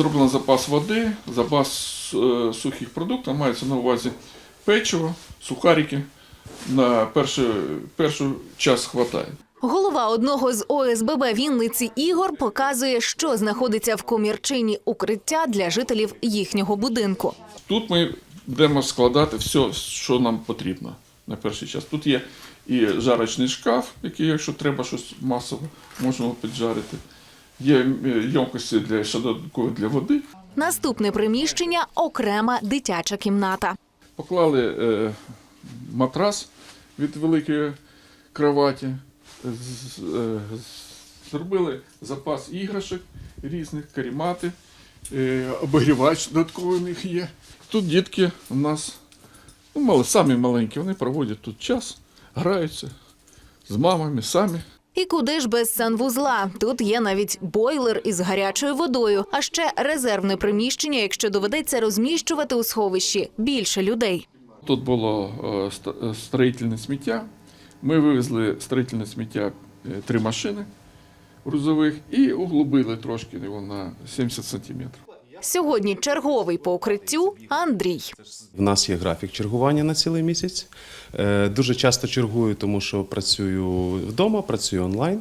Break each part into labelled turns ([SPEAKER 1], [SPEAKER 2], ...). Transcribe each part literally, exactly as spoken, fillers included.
[SPEAKER 1] Зроблено запас води, запас сухих продуктів, мається на увазі печиво, сухарики. На перший, перший час хватає.
[SPEAKER 2] Голова одного з О С Б Б Вінниці Ігор показує, що знаходиться в комірчині укриття для жителів їхнього будинку.
[SPEAKER 1] Тут ми будемо складати все, що нам потрібно на перший час. Тут є і жарочний шкаф, який, якщо треба щось масово, можемо піджарити. Є ємкості для шадовкові для води.
[SPEAKER 2] Наступне приміщення – окрема дитяча кімната.
[SPEAKER 1] Поклали е, матрас від великої кроваті, з, е, зробили запас іграшок різних, каремати, е, обігрівач додатковий у них є. Тут дітки у нас, ну, мали, самі маленькі, вони проводять тут час, граються з мамами самі.
[SPEAKER 2] І куди ж без санвузла? Тут є навіть бойлер із гарячою водою, а ще резервне приміщення, якщо доведеться розміщувати у сховищі більше людей.
[SPEAKER 1] Тут було е, строїтельне сміття. Ми вивезли строїтельне сміття е, три машини грузових і углубили трошки його на сімдесят сантиметрів.
[SPEAKER 2] Сьогодні черговий по укриттю Андрій.
[SPEAKER 3] В нас є графік чергування на цілий місяць. Е, Дуже часто чергую, тому що працюю вдома, працюю онлайн.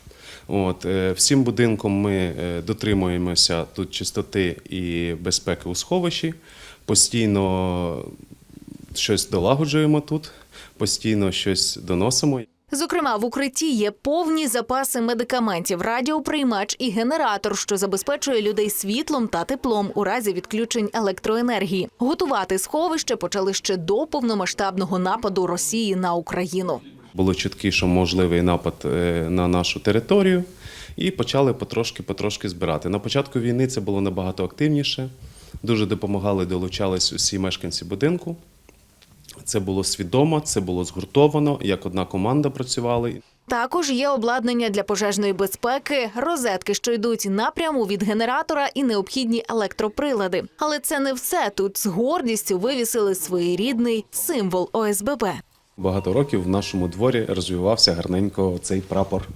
[SPEAKER 3] От, е, всім будинком ми е, дотримуємося тут чистоти і безпеки у сховищі. Постійно щось долагоджуємо тут, постійно щось доносимо.
[SPEAKER 2] Зокрема, в укритті є повні запаси медикаментів, радіоприймач і генератор, що забезпечує людей світлом та теплом у разі відключень електроенергії. Готувати сховище почали ще до повномасштабного нападу Росії на Україну.
[SPEAKER 3] Було чутки, що можливий напад на нашу територію, і почали потрошки-потрошки збирати. На початку війни це було набагато активніше. Дуже допомагали, долучались усі мешканці будинку. Це було свідомо, це було згуртовано, як одна команда працювали.
[SPEAKER 2] Також є обладнання для пожежної безпеки, розетки, що йдуть напряму від генератора і необхідні електроприлади. Але це не все. Тут з гордістю вивісили своєрідний символ О С Б Б.
[SPEAKER 3] Багато років в нашому дворі розвивався гарненько цей прапор,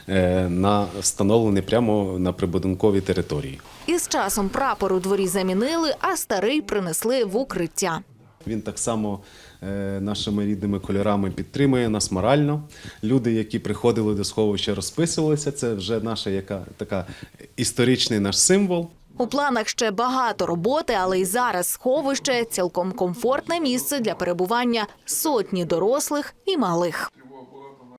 [SPEAKER 3] на, встановлений прямо на прибудинковій території.
[SPEAKER 2] І з часом прапор у дворі замінили, а старий принесли в укриття.
[SPEAKER 3] Він так само нашими рідними кольорами підтримує нас морально. Люди, які приходили до сховища, розписувалися. Це вже наша яка така історичний наш символ.
[SPEAKER 2] У планах ще багато роботи, але й зараз сховище – цілком комфортне місце для перебування сотні дорослих і малих.